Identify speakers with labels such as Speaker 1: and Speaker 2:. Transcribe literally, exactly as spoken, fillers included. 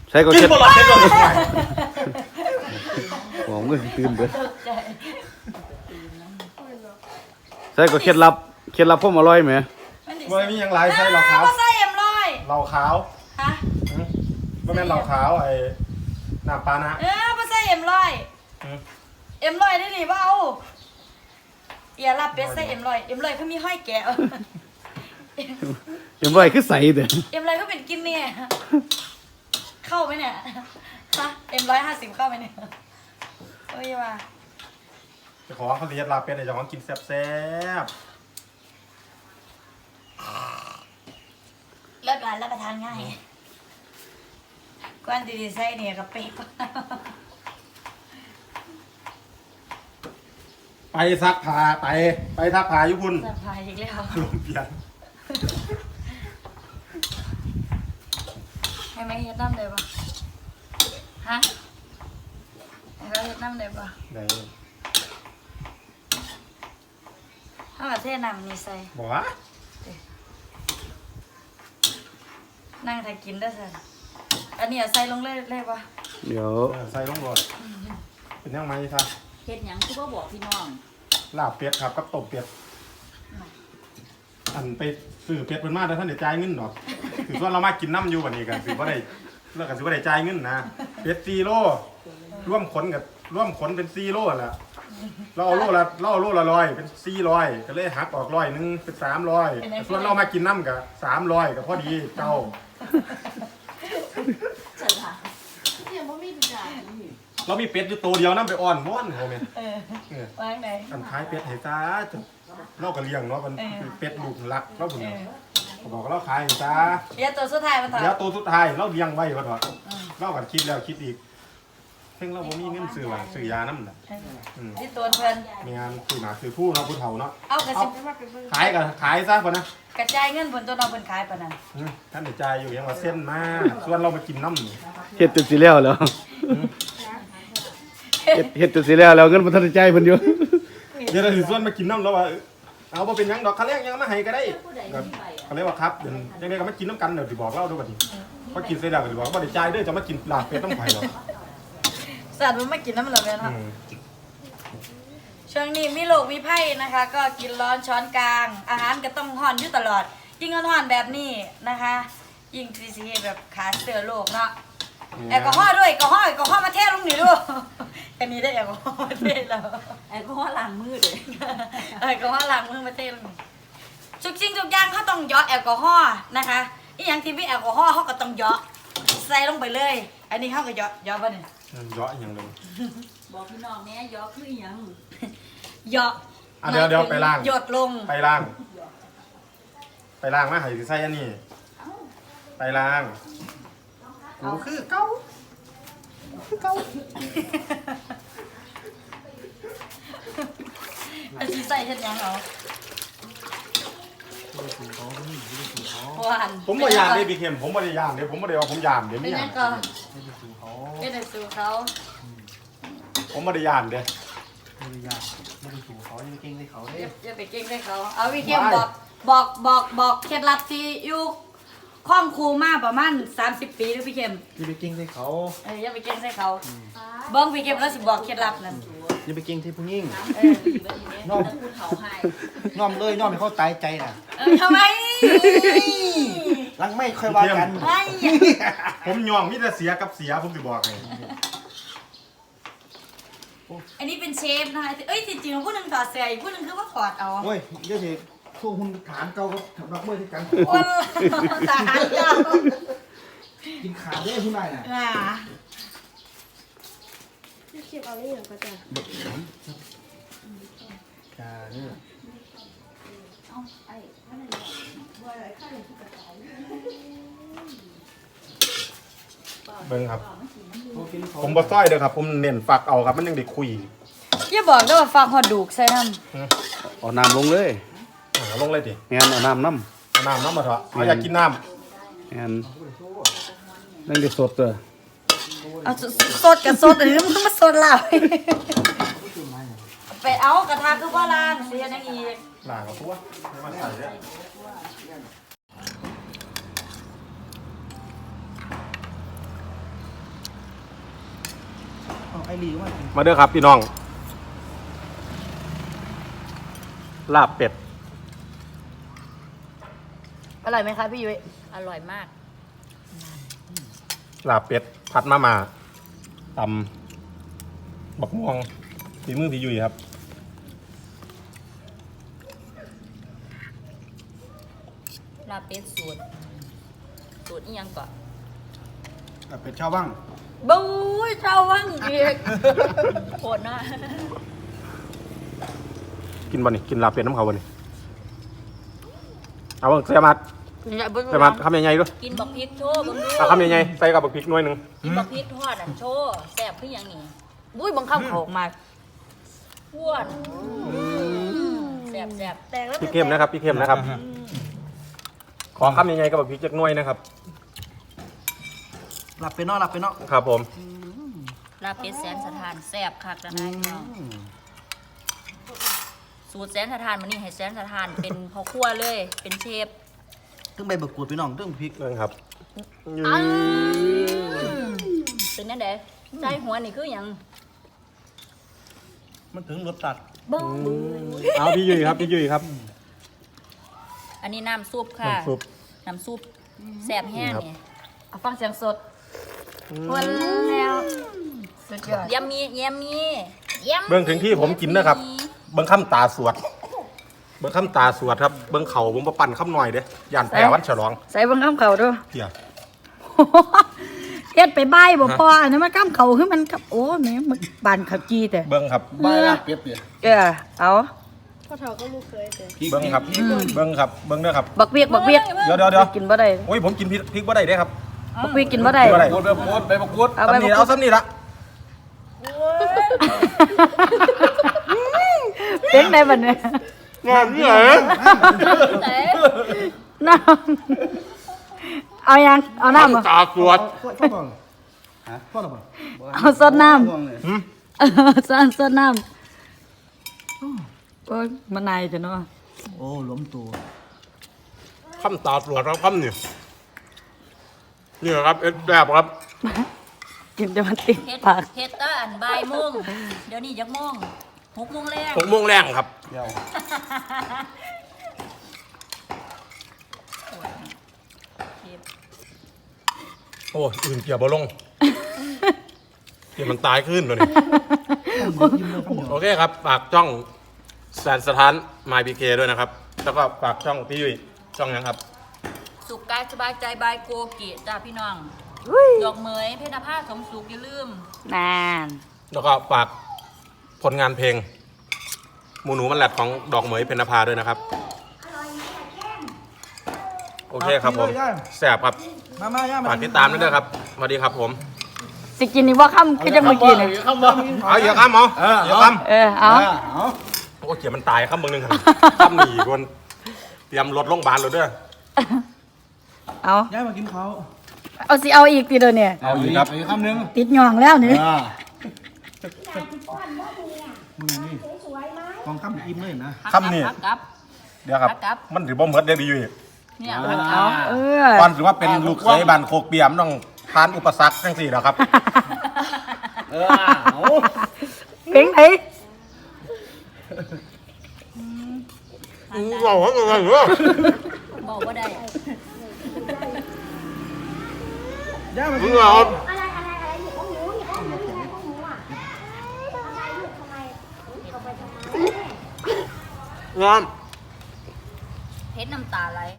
Speaker 1: ใส่ก็
Speaker 2: กิน
Speaker 1: เช็ด
Speaker 2: บอลเช็ดก่อน
Speaker 1: ผมก็ตื่นเด้อใส่ก็เคล็ดลับเคล็ดลับผมอร่อยไหม
Speaker 2: มันมีอย่างไรใส่เหล้าขาว
Speaker 3: ก็ใส่เอ็มร้อย
Speaker 2: เหล้าขาว
Speaker 3: ฮะ
Speaker 2: ไม่แม่นเหล้าขาวไอ้น้ำปลานะ
Speaker 3: เออก็ใส่เอ็มร้อยเอ็มร้อยได้หรือเปล่าอย่าลับเป็ดใส่เอ็มร้อยเอ็มร้อยเขามีห้อยแกะ
Speaker 1: ยังบ่อยคือใส่เด้อ
Speaker 3: เอ็มร้อยเขาเป็นกินเนี่ยเข้าไหมเนี่ยฮะเอ็มร้อยห้าสิบเข้าไหมเนี่ยเอ้ยว่า
Speaker 2: จะขอเขาเรียกลาเป็ดไอ้เจ้าของกินแซ่บ
Speaker 3: เลิศร้านรับประทานง่ายก้อนดีๆใส่เนี่ยกับเป๊ก
Speaker 2: ๆไปซักผ้าไปไปซักผ้าญี่ปุ่น
Speaker 3: สบายอีกแล้ว
Speaker 2: ลงเปลี่ยน
Speaker 3: ให้ไหมเฮ็ดน้ำเลยปะฮะให้เขาเฮ็ดน้ำเลยปะ
Speaker 2: ไหน
Speaker 3: ถ้ามาเทน้ำนี่ใส่
Speaker 2: บอกว่า
Speaker 3: นั่งถ่ายกินได้สิอันนี้เอาใส่ลงเลยเลยปะ
Speaker 1: เดี๋ยว
Speaker 2: เออใส่ลงรถเป็นยังไงครับ
Speaker 4: เฮ็ดหยังคือบ่บอกพี่น้อง
Speaker 2: ลาบเป็ดครับกับต้มเป็ดอันไปซื้อเป็ดเป็นมาแต่ท่านเดี๋ยวจ่ายเงินหรอกถือว่าเรามากินน้ำอยู่วันนี้กันถือว่าได้เลิกกันถือว่าได้จ่ายเงินนะเป็ดซีโร่ร่วมขนกับร่วมขนเป็นซีโร่แหละเราเอาโลละเราเอาโลละร้อยเป็นสี่ร้อยก็เลยหักออกร้อยหนึงเป็นสามร้อยส่วนเรามากินน้ำกับสามร้อยกับพอดีเจ้า
Speaker 4: ฉลาดเดี๋ยวบ่มีทุกอย่างนี่
Speaker 2: เรามีเป็ดอยู่ตัวเดียวน้ำไปอ่อนม้อนเขาเนี่ย
Speaker 3: เออ
Speaker 2: เออ
Speaker 3: วางไหน
Speaker 2: อันท้ายเป็ดให้จ้าจะเราก็เลี้ยงเนาะมัน
Speaker 3: เออ
Speaker 2: เป็ดลูกรักเราผุน
Speaker 3: เออ
Speaker 2: เขาบอกว่าเราขายให้จ้า
Speaker 3: เดี๋ยวตัวสุดท้ายมันต่อ
Speaker 2: เดี๋ยวตัวสุดท้ายเราเลี้ยงไว้ก็ถอดเราก็คิดแล้วคิดอีกเพ่งเราบ่มีเงินซื้อว่าซื้อยาน้ำน่ะอืม
Speaker 3: ที่ตัวเพิ่น
Speaker 2: มีงานซื้อหมาซื้อผู้เนาะผู้เฒ่าเนาะ
Speaker 3: เอากระสิบ
Speaker 2: ขายก็ขายซะก่อนนะ
Speaker 3: กระจายเงินบนตัวน้องเพิ่นขายปะนั่น
Speaker 2: อืมท่านได้จ่ายอยู่ยังว่าเส้นมาส่วนเรามากินน้ำนี่
Speaker 1: เฮ็ดจนสิแล้วแล้วเฮ็ดเฮ็ดจนสิแล้วแล้วเงินบ่ทันได้จ่ายเพิ่นอยู่
Speaker 2: เดี๋ยวเราถือส่วนมากินน้ำแล้วว่าเอาบ่เป็นหยังดอกคันแรกยังมาให้ก็ได้ก็เขาเรียกว่าครับเดี๋ยวยังไงก็มากินน้ำกันเดี๋ยวสิบอกเล่าด้วยบัดนี้พอกินเสร็จแล้วก็สิบอกว่าบ่ได้จ่ายเด้อจะมากินลาบเป็ดต้องไผหรอก
Speaker 3: สัตว์มันไม่กินน้ำมันหรอกแม่น
Speaker 2: อื
Speaker 3: เนาะ
Speaker 2: ม
Speaker 3: ช่วงนี้มีโรคมีไพ่นะคะ ก็กินร้อนช้อนกลาง อาหารก็ต้องห่อนอยู่ตลอด ยิ่งห่อนๆแบบนี้นะคะ ยิ่งซีซีแบบขาเสือโรคเนาะแอลกอฮอล์ด้วยแอลกอฮอล์แอลกอฮอล์มาเทลงนี่ด้วย อันนี้ได้แอลกอฮอล์มาเทแล้ว
Speaker 4: แอลกอฮอล์ล้างมือเด้
Speaker 3: แอลกอฮอล์ล้างมือมาเทลงนี่ทุกสิ่งทุกอย่างเขาต้องเหยาะแอลกอฮอล์นะคะอีหยังที่มีแอลกอฮอล์เขาก็ต้องเหยาะใส่ลงไปเลย อันนี้เขาก็เหยาะเหยาะป่ะเนี่ย
Speaker 2: เยอะอย่างเลย
Speaker 4: บอกพี่น้องแม่ยอคืออีหยัง
Speaker 3: เหยาะ
Speaker 2: อ่ะเดี๋ยวเดี๋ยวไปล้าง
Speaker 3: หยดลง
Speaker 2: ไปล้าง ไปล้างมาให้สิใส่อันนี้ไปล้างกูคือเก่าคือเก่า
Speaker 3: อันที่ใส่เฮ็ดหยังเอาหวาน
Speaker 2: ผมบ่ยามเด้พี่เข็มผมบ่ได้ยามเด้ผมบ่ได้ว่าผมยามเด้
Speaker 3: เป็
Speaker 2: ไม่
Speaker 3: น
Speaker 2: ยา
Speaker 3: ยั
Speaker 2: ม
Speaker 3: งก็เป็นในสูเขา
Speaker 2: ผมบ่ได้ยามเด้
Speaker 5: ไม่ได้ยากไม่ได้ถูกเขาไม่ได้เก่งเลยเขา
Speaker 3: อ
Speaker 5: เด้
Speaker 3: ย่าอย่าไปเก่งได้เขา เอาวิเทียมบอกบอกบอกบอกเคล็ดลับที่อยู่คล่องครูมาประมาณสามสิบปีหรือพี่เข้ม
Speaker 5: อย่าไปเก่งเลยเขา
Speaker 3: เอออย่าไปเก่งใส่เขาเบิ้งพี่เข้มแล้วสิบอกเคล็ดลับนั่น
Speaker 5: อย่าไปเก่งที่ผู้ยิ่ง
Speaker 3: เออ
Speaker 5: น้อม
Speaker 4: ผู้เฒ่าให้
Speaker 5: น้อมเลยน้อมให้เขาตายใจน่ะ
Speaker 3: เออทำไม
Speaker 5: หลังไม่ค่อยว่ากัน
Speaker 3: ไอ้
Speaker 2: ผมยอมมีแต่เสียกับเสียผมสิบอกให้
Speaker 3: อันนี้เป็นเชฟนะคะเอ้ยจริงๆผู้หนึ่งถอดเสื้ออีกผู้หนึ่งคือว่าถอดเอา
Speaker 5: โอ้ยเดี๋ยวสิสู้หุ่นฐานเก่ากับนักมวยที่กัน
Speaker 3: คนทหารเจ้า
Speaker 5: กินขาดได้ผู้นายน่ะ
Speaker 3: อ่า
Speaker 6: เก็บเอาได้อย่างก็จะ
Speaker 5: ขาเนี่ย
Speaker 2: เบิ่งครับ
Speaker 5: เขากินเขา
Speaker 2: ผมบ่ซ้อยเด้อครับ ผมเน้นฝักเอาครับมันยังได้คุย
Speaker 3: อย่าบอกด้วยว่าฟังหอดดูกใส่น้
Speaker 1: เอาน้ำลงเลย
Speaker 2: อ่าลงเลยดิ
Speaker 1: แม่นเอาน้ำน้
Speaker 2: เอาน้ำน้ำมาเถอะเอาอยากกินน้
Speaker 1: ำแม่นนั่งได้สดเด้อ
Speaker 3: ำเอาสดกับสดหรือมันมาสดแล้วไปเอากระทะคือว่าล้างเสียนังอีก
Speaker 2: ำล้างกับตัวไม่มาใส่เนี่ย
Speaker 5: ลีว่า
Speaker 2: มาเด้อครับพี่น้องลาบเป็ด
Speaker 3: อร่อยไหมคะพี่ยุ้ย
Speaker 4: อร่อยมาก
Speaker 2: ลาบเป็ดผัดมาม่าตำบักม่วงฝีมือพี่ยุ้ยครับ
Speaker 4: ลาบเป็ดสูตรสูตรอีหยังก่อน
Speaker 5: เป็ดชาวบ้าง
Speaker 3: บู๊ยเจ้าวังอีก
Speaker 4: โคตรนะ
Speaker 2: กินบ่นี่กินลาบเป็ดน้ำเขาบ่นี่เอาเบิ่งเสียมัดเสียมัดคำใหญ่ๆด้วย
Speaker 4: กินบักพริกโชว์บังดู
Speaker 2: เอาคำใหญ่ๆใส่กับบักพริกหน่วยหนึง
Speaker 4: กินบักพริกทอดอันโชว์แซ่บคือหยังนี่
Speaker 3: บุ้ยบังคับเขาออกมา
Speaker 4: อ้วนแซ่บแซ่บ
Speaker 3: แตกแล้ว
Speaker 2: พริกเข้มนะครับพริกเข้มนะครับ ขอคำใหญ่ๆกับบักพริกจักหน่วยนะครับ
Speaker 5: หลับไปเนาะหลับไปเนาะ
Speaker 2: ครับผม
Speaker 4: ลาบเป็ดแสนสถานแซ่บคักนะนายพี่น้องสูตรแสนสถานมันนี่ให้แสนสถานเป็นพ่อครัวเลย เป็นเชฟ
Speaker 5: ตึ้งใบบักกูดพี่น้องตึ้งพริก
Speaker 2: เรื่องครับ
Speaker 4: เป็นนั่นเด้ใจหัวนี่คือหยัง
Speaker 5: มันถึงรสตัด
Speaker 4: บ้ง
Speaker 2: เอาพี่ยุ้ยครับพี่ยุ้ยครับ
Speaker 4: อันนี้น้ำซุปค่ะ
Speaker 2: น้ำซุป
Speaker 4: น้ำซุปแซ่บแห้ง
Speaker 2: ครับ
Speaker 4: นี่
Speaker 3: เอาฟังเสียงสดวันแล้วสุดยอด
Speaker 4: เยี่ยมมีเยี่ยมมีเยี่ยม
Speaker 2: เบิ่งถึงที่ผมกินนะครับ เบิ่งคำตาสวด เบิ่งคำตาสวดครับ เบิ่งเข่าผมมาปั่นคำหน่อยเด้ย่านแปรวันฉลอง
Speaker 3: ใส่บังคับเขาด้วย
Speaker 2: เที่ย
Speaker 3: เฮ็ดไปใบายบ่พออันนั้นมันข้ามเขาคือมันกับโอ้แม่มันบานเขาจีแต่
Speaker 2: เบิ่งครับ
Speaker 5: ใบลาบเป็ดเนี่ย
Speaker 3: เออเอา
Speaker 6: พ่อเฒ่าก็ลูกเคยแต่
Speaker 2: เบิ่งครับ เบิ่งครับ เบิ่งเด้อครับ
Speaker 3: บักเวียกบักเวียก
Speaker 2: เดี๋ยวเดี๋ยวเดี๋ยว
Speaker 3: กินบ่ได้
Speaker 2: โอ้ยผมกินพริกพริกบ่ได้เด้ครับ
Speaker 3: บักเวียกกินบ่ได้
Speaker 2: กินบ่ได้
Speaker 5: กูดใบบักกูดใบบักกูด
Speaker 3: เอา
Speaker 2: ซ้ำ
Speaker 3: ไป
Speaker 2: นี่เอาซ้ำนี่ละ
Speaker 3: เป็นได้บัดเนี่ย
Speaker 2: งานนี่เหรอ
Speaker 3: น้ำเอายังเอาน้ำบ่
Speaker 2: ตาสวด
Speaker 5: พ่อพ่อบอกฮะพ่อหรอเปล่า
Speaker 3: เอาซดน้
Speaker 5: ห่วงเลย
Speaker 3: ำเออซดซดน้ำโอ้ยมันนายจ้ะเนาะ
Speaker 5: โอ้หล้มตัว
Speaker 2: คำตาสวดครับคำนี่นี่ครับเอ็ดแบบครับ
Speaker 3: กินจะมันติด
Speaker 4: เฮ็ด
Speaker 3: ปาก
Speaker 4: เฮ็ดแตะอันบ่ายโมงเดี๋ยวนี้จักโมงหกโมงแรง
Speaker 2: หกโมงแรงครับ
Speaker 5: เดี๋ยว
Speaker 2: โอ้ยอื่นเกี่ยวบ่ลงเกี่ยวมันตายขึ้นเลยนี่โอเคครับ ฝากช่องแสนสถานมายพีเคด้วยนะครับ แล้วก็ฝากช่องพี่ยุ้ยช่องยังครับ
Speaker 4: สุขกายสบายใจบายโกกิจ้าพี่น้อง
Speaker 3: อุ้ย
Speaker 4: ดอกเหมยเพชรภาสมสุขอย่าลืม
Speaker 3: นาน
Speaker 2: แล้วก็ฝากผลงานเพลงหมูหนูมันแหลดของดอกเหมยเพญนภาด้วยนะครับ โอเคครับผมแสบครับ
Speaker 5: มามาย่ามา
Speaker 2: ฝากติดตามด้วยนะครับสวัสดีครับผม
Speaker 3: สิกินนี่ว่าค่ำคือจะเมื่อกี้เนี่ย
Speaker 5: ข้ามบ้าง
Speaker 2: เอาเยอะครับหมอเยอะครับ
Speaker 3: เออเอา
Speaker 5: เอา
Speaker 2: โอ้เขียมันตายครับมึงหนึงครับครับหนีคนเตรียมรถโรงพยาบาลเลยด้วย
Speaker 3: เอา
Speaker 5: ย่ามากินเขา
Speaker 3: เอาสิเอาอีกทีเดียวเนี่ย
Speaker 2: เอาอีกครับ
Speaker 5: อีกคำหนึ่ง
Speaker 3: ติดหย่องแล้วนี่
Speaker 5: อ่ามึงนี่กองข้ามอิ่มเลยนะ
Speaker 2: ครับนี่
Speaker 4: ฮักกับ
Speaker 2: เดี๋ยวครับ
Speaker 4: ครับ
Speaker 2: มันถือบ่เหมือนเด็กดีอยู่
Speaker 4: เนี่ย
Speaker 3: เอาเออ
Speaker 2: ก่อนถือว่าเป็นลูกเคยบ้านโคกเปียมต้องผ่านอุปสรรคทั้งสี่แล้วครับ
Speaker 5: เออเอา
Speaker 3: เพลงไหน
Speaker 2: บอกว่าไงเหรอ
Speaker 4: บอกว่าได้
Speaker 5: ย่ามา
Speaker 2: มึ
Speaker 5: กิ
Speaker 2: ง
Speaker 5: น
Speaker 2: เหรอ
Speaker 6: อะไรอะไรอะไรหยิบของหนูหยิบของหนูหยิบของหนูอ่ะทำไมลูกทำไมเอาไปทำไม
Speaker 2: งาม
Speaker 4: เฮ็ดน้ำตาไหล